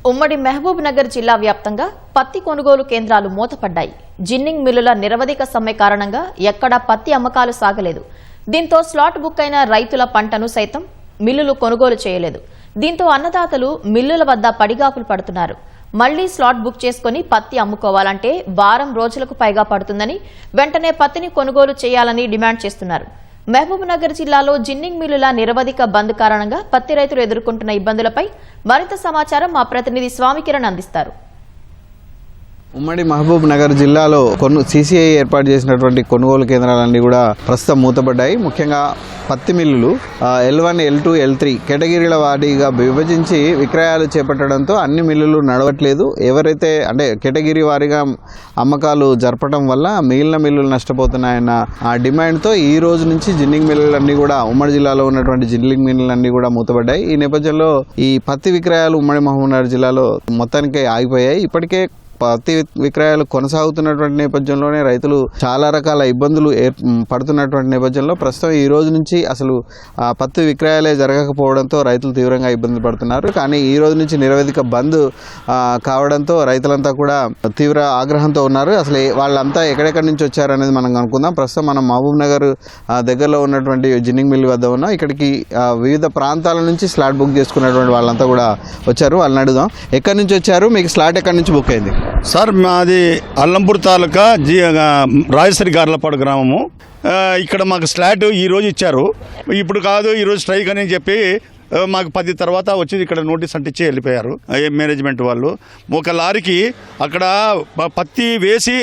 ఉమ్మడి మహబూబ్ నగర్ జిల్లా వ్యాప్తంగా పత్తి కొనుగోలు కేంద్రాలు మూతపడ్డాయి. జిన్నింగ్ మిల్లుల నిరవధిక సమ్మె కారణంగా ఎక్కడా పత్తి అమ్మకాలు సాగలేదు. దీంతో స్లాట్ బుక్ అయిన రైతుల పంటను సైతం మిల్లులు కొనుగోలు చేయలేదు. దీంతో అన్నదాతలు మిల్లుల వద్ద పడిగాపులు పడుతున్నారు. మళ్లీ స్లాట్ బుక్ చేసుకుని పత్తి అమ్ముకోవాలంటే వారం రోజులకు పైగా పడుతుందని, వెంటనే పత్తిని కొనుగోలు చేయాలని డిమాండ్ చేస్తున్నారు. మహబూబ్ నగర్ జిల్లాలో జిన్నింగ్ మిల్లుల నిరవధిక బంద్ కారణంగా పత్తి రైతులు ఎదుర్కొంటున్న ఇబ్బందులపై మరింత సమాచారం మా ప్రతినిధి స్వామికిరణ్ అందిస్తారు. ఉమ్మడి మహబూబ్ నగర్ జిల్లాలో సీసీఐ ఏర్పాటు చేసినటువంటి కొనుగోలు కేంద్రాలన్నీ కూడా ప్రస్తుతం మూతపడ్డాయి. ముఖ్యంగా పత్తి మిల్లులు L1, L2, L3 కేటగిరీల వారీగా విభజించి విక్రయాలు చేపట్టడంతో అన్ని మిల్లులు నడవట్లేదు. ఎవరైతే అంటే కేటగిరీ వారీగా అమ్మకాలు జరపడం వల్ల మిగిలిన మిల్లులు నష్టపోతున్నాయన్న ఆ డిమాండ్తో ఈ రోజు నుంచి జిన్నింగ్ మిల్లులన్నీ కూడా ఉమ్మడి జిల్లాలో ఉన్నటువంటి జిన్నింగ్ మిల్లులన్నీ కూడా మూతపడ్డాయి. ఈ నేపథ్యంలో ఈ పత్తి విక్రయాలు ఉమ్మడి మహబూబ్ నగర్ జిల్లాలో మొత్తానికి ఆగిపోయాయి. ఇప్పటికే పత్తి విక్రయాలు కొనసాగుతున్నటువంటి నేపథ్యంలోనే రైతులు చాలా రకాల ఇబ్బందులు పడుతున్నటువంటి నేపథ్యంలో ప్రస్తుతం ఈ రోజు నుంచి అసలు పత్తి విక్రయాలే జరగకపోవడంతో రైతులు తీవ్రంగా ఇబ్బందులు పడుతున్నారు. కానీ ఈ రోజు నుంచి నిరవధిక బంద్ కావడంతో రైతులంతా కూడా తీవ్ర ఆగ్రహంతో ఉన్నారు. అసలు వాళ్ళంతా ఎక్కడెక్కడి నుంచి వచ్చారనేది మనం అనుకుందాం. ప్రస్తుతం మనం మహబూబ్ నగర్ దగ్గరలో ఉన్నటువంటి జిన్నింగ్ మిల్ వద్ద ఉన్నాం. ఇక్కడికి వివిధ ప్రాంతాల నుంచి స్లాట్ బుక్ చేసుకున్నటువంటి వాళ్ళంతా కూడా వచ్చారు. వాళ్ళని అడుగుదాం, ఎక్కడి నుంచి వచ్చారు, మీకు స్లాట్ ఎక్కడి నుంచి బుక్ అయింది? సార్ మాది అల్లంపూర్ తాలూకా రాజశ్రీ గార్లపాడు గ్రామము. ఇక్కడ మాకు స్లాట్ ఈరోజు ఇచ్చారు. ఇప్పుడు కాదు, ఈరోజు స్ట్రైక్ అని చెప్పి మాకు 10 తర్వాత వచ్చి ఇక్కడ నోటీస్ అంటించి వెళ్ళిపోయారు మేనేజ్మెంట్ వాళ్ళు. ఒక లారీకి అక్కడ పత్తి వేసి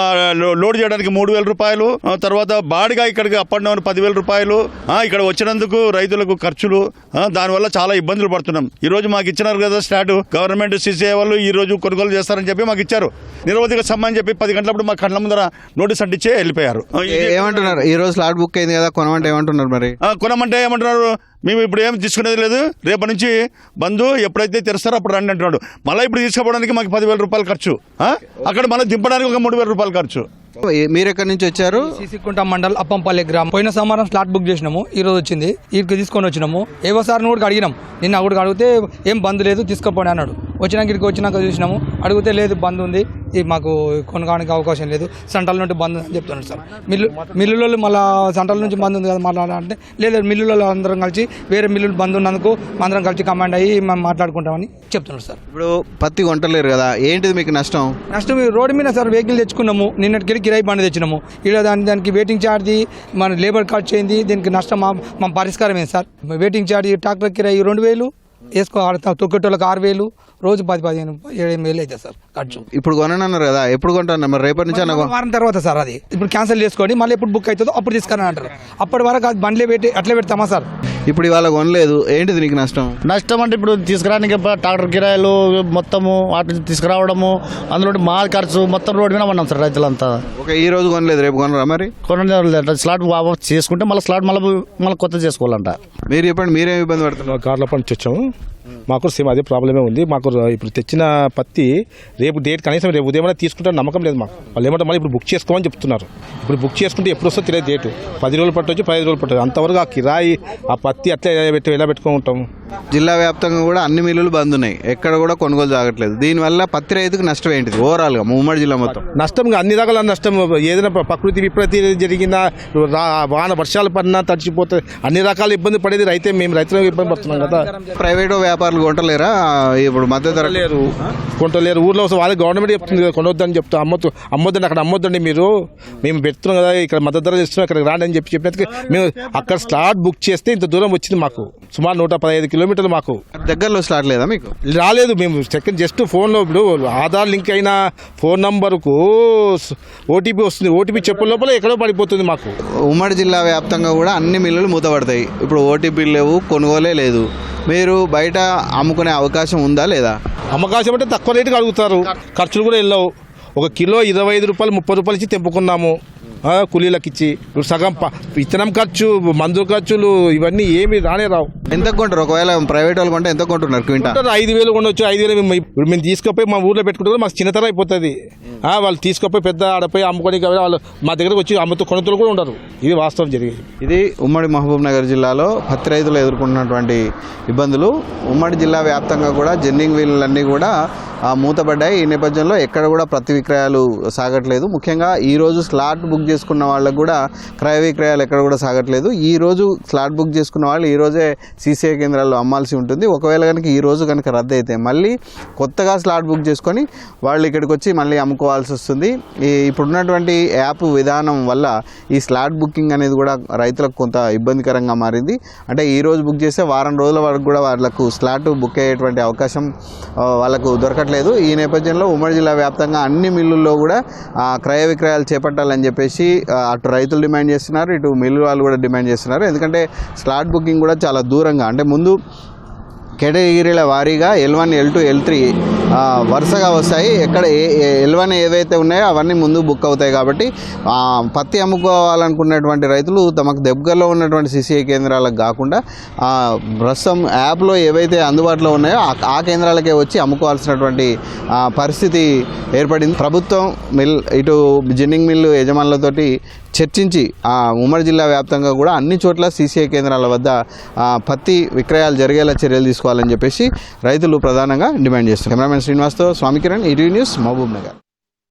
లోడ్ చేయడానికి 3,000 రూపాయలు, తర్వాత బాడిగా ఇక్కడికి అప్ అండ్ డౌన్ 10,000 రూపాయలు. ఇక్కడ వచ్చినందుకు రైతులకు ఖర్చులు, దానివల్ల చాలా ఇబ్బందులు పడుతున్నాం. ఈ రోజు మాకు ఇచ్చినారు కదా స్టార్ట్, గవర్నమెంట్ సీసీఐ వాళ్ళు ఈ రోజు కొనుగోలు చేస్తారని చెప్పి మాకు ఇచ్చారు. నిరవధిక సమ్మె అని చెప్పి 10 గంటలప్పుడు మా కళ్ళ ముందర నోటీస్ అంటించే వెళ్ళిపోయారు. ఏమంటున్నారు? ఈ రోజు స్లాట్ బుక్ అయింది కదా, కొనమంటే ఏమంటున్నారు? మరి కొనమంటే ఏమంటున్నారు, మేము ఇప్పుడు ఏం తీసుకునేది లేదు, రేపటి నుంచి బంధు ఎప్పుడైతే తెరుస్తారో అప్పుడు రండి అంటున్నాడు. మళ్ళీ ఇప్పుడు తీసుకోవడానికి మాకు 10,000 రూపాయలు ఖర్చు, అక్కడ మళ్ళీ దింపడానికి ఒక 3,000 రూపాయలు ఖర్చు. మీరు ఎక్కడి నుంచి వచ్చారు? సిసికుంట మండల్ అప్పంపల్లి గ్రామం. పోయిన సోమవారం స్లాట్ బుక్ చేసినాము, ఈ రోజు వచ్చింది. ఇక్కడికి తీసుకొని వచ్చినాము. ఏవో సార్ని కూడా అడిగినాం, నిన్న కూడా అడిగితే ఏం బంద్ లేదు తీసుకోపోయి అన్నాడు. వచ్చినాక చూసినాము, అడిగితే లేదు బంద్ ఉంది, మాకు కొనడానికి అవకాశం లేదు, సెంట్రల్ నుండి బంద్ అని చెప్తున్నాడు సార్. మిల్లులలో మళ్ళీ సెంట్రల్ నుంచి బంద్ ఉంది కదా మాట్లాడాలంటే లేదు, మిల్లులలో అందరం కలిసి వేరే మిల్లులు బంద్ ఉన్నందుకు అందరం కలిసి కమాండ్ అయ్యి మేము మాట్లాడుకుంటామని చెప్తున్నాడు సార్. ఇప్పుడు పత్తి కొంటలేరు కదా, ఏంటిది మీకు నష్టం? రోడ్డు మీద సార్ వెహికల్ తెచ్చుకున్నాము, నిన్నటికి కిరాయి బండి తెచ్చినాము. ఇలా దానికి వెయిటింగ్ ఛార్జ్, మన లేబర్ ఖర్చు అయింది, దీనికి నష్టం మా పరిష్కారం ఏంటి సార్? వెయిటింగ్ ఛార్జ్, ట్రాక్టర్ కిరాయి 2,000 వేసుకో, తొక్కేటోళ్ళకి 6,000, రోజు 10-15, 7,000 అవుతుంది సార్ ఖర్చు. ఇప్పుడు కొనన్నారు కదా, ఎప్పుడు కొంటాను? మరి రేపటి నుంచి వారం తర్వాత సార్. అది ఇప్పుడు క్యాన్సిల్ చేసుకోండి, మళ్ళీ ఎప్పుడు బుక్ అవుతుందో అప్పుడు తీసుకుని అంటారు. అప్పటి వరకు అది బండ్లే పెట్టి అట్లే పెడతామా సార్? ఇప్పుడు ఇవాళ కొనలేదు, ఏంటిది నీకు నష్టం? నష్టం అంటే ఇప్పుడు తీసుకురానికి ట్రాక్టర్ కిరాయిలు మొత్తము వాటి తీసుకురావడము, అందులో మా ఖర్చు మొత్తం రోడ్డు మీద ఉన్నాం సార్ రైతులంతా. ఈ రోజు కొనలేదు, రేపు కొనరా? మరి స్లాట్ చేసుకుంటే మళ్ళీ స్లాట్ మళ్ళీ కొత్త చేసుకోవాలంట. మీరు చెప్పండి, మీరేం ఇబ్బంది పడుతున్నారు? కార్ల పంచి వచ్చాము, మాకు సేమ్ అదే ప్రాబ్లమే ఉంది. మాకు ఇప్పుడు తెచ్చిన పత్తి రేపు డేట్ కనీసం రేపు ఉదయం తీసుకుంటే నమ్మకం లేదు మాకు. వాళ్ళు ఏమంటారు, మళ్ళీ ఇప్పుడు బుక్ చేసుకోమని చెప్తున్నారు. ఇప్పుడు బుక్ చేసుకుంటే ఎప్పుడు వస్తుందో తెలియదు డేటు. 10 రోజులు పట్టవచ్చు, 15 రోజులు పట్టవచ్చు. అంతవరకు ఆ కిరాయి, ఆ పత్తి అట్లా ఎలా పెట్టుకుని ఉంటాము? జిల్లా వ్యాప్తంగా కూడా అన్ని మిల్లులు బంద్ ఉన్నాయి, ఎక్కడ కూడా కొనుగోలు జరగట్లేదు. దీనివల్ల పత్తి రైతుకు నష్టం ఏంటిది ఓవరాల్గా ఉమ్మడి జిల్లా మొత్తం? నష్టం అన్ని రకాల నష్టం. ఏదైనా ప్రకృతి విపత్తి జరిగినా, వాన వర్షాలు పడినా తడిచిపోతే అన్ని రకాల ఇబ్బంది పడేది రైతే. మేము రైతులకు ఇబ్బంది పడుతున్నాం కదా. ప్రైవేట్ వ్యాపారులు కొంటలేరా? ఇప్పుడు మద్దతు ధర కొంటలేరు. ఊర్లో వాళ్ళకి గవర్నమెంట్ చెప్తుంది కదా కొనొద్దని చెప్తా, అమ్మొద్దండి, అక్కడ అమ్మొద్దండి, మేము పెడుతున్నాం కదా, ఇక్కడ మద్దతు ధర ఇస్తున్నాం, ఇక్కడ రాండి అని చెప్పినట్టుగా మేము అక్కడ స్లాట్ బుక్ చేస్తే ఇంత దూరం వచ్చింది మాకు. సుమారు 115 కిలోమీటర్లు. మాకు దగ్గరలో స్లాట్ లేదా? మీకు రాలేదు. మేము సెకండ్ జస్ట్ ఫోన్లో ఇప్పుడు ఆధార్ లింక్ అయిన ఫోన్ నంబర్కు ఓటీపీ వస్తుంది. ఓటీపీ చెప్పే లోపల ఎక్కడో పడిపోతుంది మాకు. ఉమ్మడి జిల్లా వ్యాప్తంగా కూడా అన్ని మిల్లులు మూతపడతాయి. ఇప్పుడు ఓటీపీలు లేవు, కొనుగోలే లేదు. మీరు బయట అమ్ముకునే అవకాశం ఉందా లేదా? అమ్మకాశం అంటే తక్కువ రేటుకి అడుగుతారు, ఖర్చులు కూడా వెళ్ళవు. 1 కిలో 25 రూపాయలు 30 రూపాయలు ఇచ్చి తెంపుకున్నాము. కూలీలకు ఇచ్చి ఇప్పుడు సగం విత్తనం ఖర్చు, మందు ఖర్చులు ఇవన్నీ ఏమి రానే రావు. ఎంత కొంటారు? ఒకవేళ ప్రైవేట్ వాళ్ళు కొంటే ఎంత కొంటున్నారు క్వింటా? 5,000 కొనవచ్చు. 5,000 ఇప్పుడు మేము తీసుకుపోయి మా ఊర్లో పెట్టుకుంటారు, మాకు చిన్నతనం అయిపోతుంది. వాళ్ళు తీసుకుపోయి పెద్ద ఆడపోయి అమ్ముకొని వాళ్ళు మా దగ్గరకు వచ్చి కొనుగోలు కూడా ఉండరు. ఇది వాస్తవం జరిగేది. ఇది ఉమ్మడి మహబూబ్ నగర్ జిల్లాలో పత్తి రైతులు ఎదుర్కొంటున్నటువంటి ఇబ్బందులు. ఉమ్మడి జిల్లా వ్యాప్తంగా కూడా జిన్నింగ్ వీళ్ళన్నీ కూడా మూతపడ్డాయి. ఈ నేపథ్యంలో ఎక్కడ కూడా ప్రతి విక్రయాలు సాగట్లేదు. ముఖ్యంగా ఈరోజు స్లాట్ బుక్ చేసుకున్న వాళ్ళకు కూడా క్రయ విక్రయాలు ఎక్కడ కూడా సాగట్లేదు. ఈ రోజు స్లాట్ బుక్ చేసుకున్న వాళ్ళు ఈ రోజే సీసీఐ కేంద్రాల్లో అమ్మాల్సి ఉంటుంది. ఒకవేళ కనుక ఈ రోజు కనుక రద్దు అయితే మళ్ళీ కొత్తగా స్లాట్ బుక్ చేసుకొని వాళ్ళు ఇక్కడికి వచ్చి మళ్ళీ అమ్ముకోవాల్సి వస్తుంది. ఇప్పుడున్నటువంటి యాప్ విధానం వల్ల ఈ స్లాట్ బుకింగ్ అనేది కూడా రైతులకు కొంత ఇబ్బందికరంగా మారింది. అంటే ఈ రోజు బుక్ చేస్తే వారం రోజుల వరకు కూడా వాళ్ళకు స్లాట్ బుక్ అయ్యేటువంటి అవకాశం వాళ్ళకు దొరకట్లేదు. ఈ నేపథ్యంలో ఉమ్మడి జిల్లా వ్యాప్తంగా అన్ని మిల్లుల్లో కూడా క్రయ విక్రయాలు చేపట్టాలని చెప్పేసి అటు రైతులు డిమాండ్ చేస్తున్నారు, ఇటు మిల్లు వాళ్ళు కూడా డిమాండ్ చేస్తున్నారు. ఎందుకంటే స్లాట్ బుకింగ్ కూడా చాలా దూరంగా, అంటే ముందు కేటగిరీల వారీగా L1, L2, L3 వరుసగా వస్తాయి. ఎక్కడ L1 ఏవైతే ఉన్నాయో అవన్నీ ముందు బుక్ అవుతాయి. కాబట్టి పత్తి అమ్ముకోవాలనుకున్నటువంటి రైతులు తమకు దగ్గరలో ఉన్నటువంటి CCI కేంద్రాలకు కాకుండా ప్రస్తుతం యాప్లో ఏవైతే అందుబాటులో ఉన్నాయో ఆ కేంద్రాలకే వచ్చి అమ్ముకోవాల్సినటువంటి పరిస్థితి ఏర్పడింది. ప్రభుత్వం ఇటు జిన్నింగ్ మిల్లు యజమానులతోటి చర్చించి ఉమ్మడి జిల్లా వ్యాప్తంగా కూడా అన్ని చోట్ల CCI కేంద్రాల వద్ద పత్తి విక్రయాలు జరిగేలా చర్యలు తీసుకోవాలని చెప్పేసి రైతులు ప్రధానంగా డిమాండ్ చేస్తున్నారు. కెమెరామెన్ శ్రీనివాస్తో స్వామి కిరణ్, ఈటీవీ న్యూస్, మహబూబ్ నగర్.